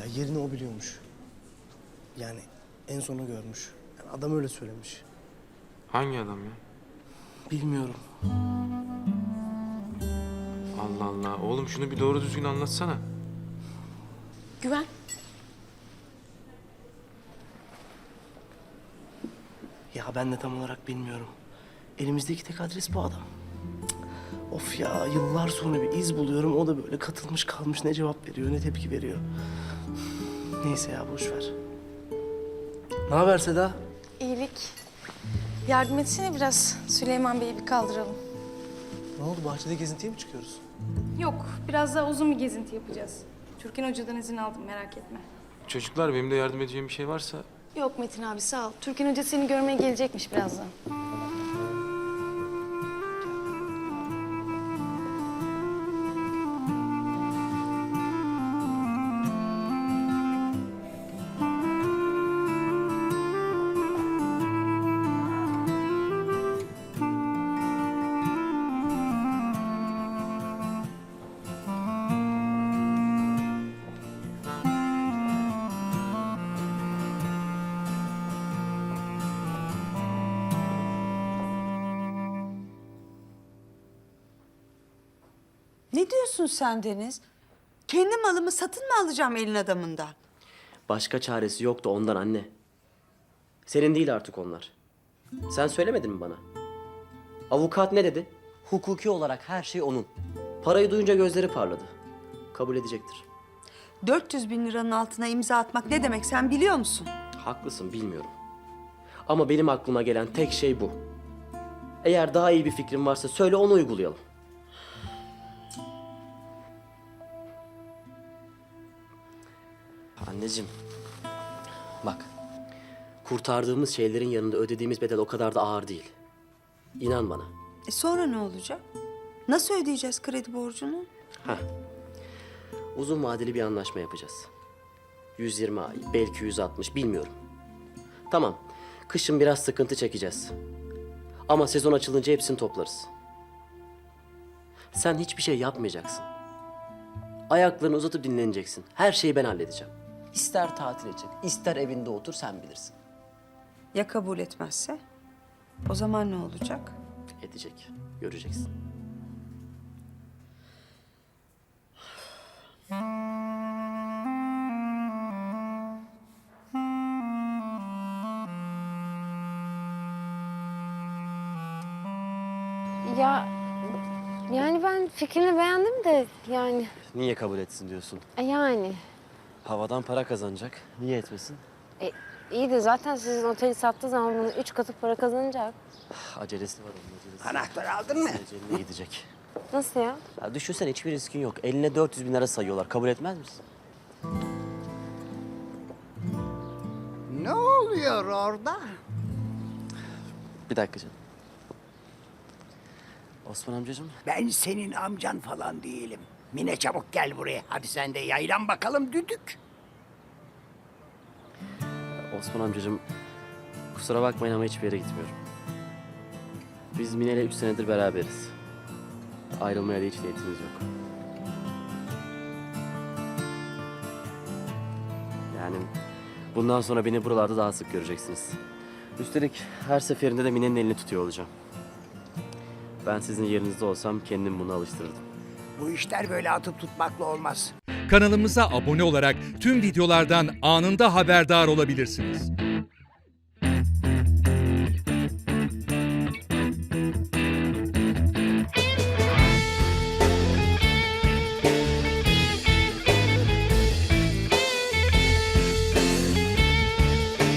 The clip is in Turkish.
Ya yerini o biliyormuş. Yani en sonu görmüş. Yani adam öyle söylemiş. Hangi adam ya? Bilmiyorum. Allah Allah. Oğlum şunu bir doğru düzgün anlatsana. Güven. Ya ben de tam olarak bilmiyorum. Elimizdeki tek adres bu adam. Cık. Of ya, yıllar sonra bir iz buluyorum. O da böyle katılmış kalmış, ne cevap veriyor ne tepki veriyor. Neyse ya, boş ver. Ne haber Seda? İyilik. Yardım etsene biraz. Süleyman Bey'i bir kaldıralım. Ne oldu, bahçede gezintiye mi çıkıyoruz? Yok, biraz daha uzun bir gezinti yapacağız. Türkan Hoca'dan izin aldım, merak etme. Çocuklar benim de yardım edeceğim bir şey varsa... Yok Metin abi sağ ol. Türkan Hoca seni görmeye gelecekmiş birazdan. Ne diyorsun sen Deniz? Kendi malımı satın mı alacağım elin adamından? Başka çaresi yoktu ondan anne. Senin değil artık onlar. Sen söylemedin mi bana? Avukat ne dedi? Hukuki olarak her şey onun. Parayı duyunca gözleri parladı. Kabul edecektir. 400 bin liranın altına imza atmak ne demek sen biliyor musun? Haklısın, bilmiyorum. Ama benim aklıma gelen tek şey bu. Eğer daha iyi bir fikrin varsa söyle, onu uygulayalım. Anneciğim, bak. Kurtardığımız şeylerin yanında ödediğimiz bedel o kadar da ağır değil. İnan bana. Sonra ne olacak? Nasıl ödeyeceğiz kredi borcunu? Heh. Uzun vadeli bir anlaşma yapacağız. 120 ay, belki 160, bilmiyorum. Tamam, kışın biraz sıkıntı çekeceğiz. Ama sezon açılınca hepsini toplarız. Sen hiçbir şey yapmayacaksın. Ayaklarını uzatıp dinleneceksin. Her şeyi ben halledeceğim. İster tatil edecek, ister evinde otur, sen bilirsin. Ya kabul etmezse? O zaman ne olacak? Edecek, göreceksin. Ya yani ben fikrini beğendim de yani Niye kabul etsin diyorsun? yani Havadan para kazanacak. Niye etmesin? iyi de zaten sizin oteli sattığı zaman bunu 3 katı para kazanacak. Acelesi var onun, acelesi. Anahtarı aldın mı? Eceline gidecek. Nasıl ya? Ya düşünsene, hiçbir riskin yok. Eline 400 bin lira sayıyorlar. Kabul etmez misin? Ne oluyor orada? Bir dakika canım. Osman amcacığım. Ben senin amcan falan değilim. Mine çabuk gel buraya. Hadi sen de yaylan bakalım düdük. Osman amcacığım, kusura bakmayın ama hiçbir yere gitmiyorum. Biz Mine'yle 3 senedir beraberiz. Ayrılmaya da hiç niyetimiz yok. Yani bundan sonra beni buralarda daha sık göreceksiniz. Üstelik her seferinde de Mine'nin elini tutuyor olacağım. Ben sizin yerinizde olsam kendim bunu alıştırırdım. Bu işler böyle atıp tutmakla olmaz. Kanalımıza abone olarak tüm videolardan anında haberdar olabilirsiniz.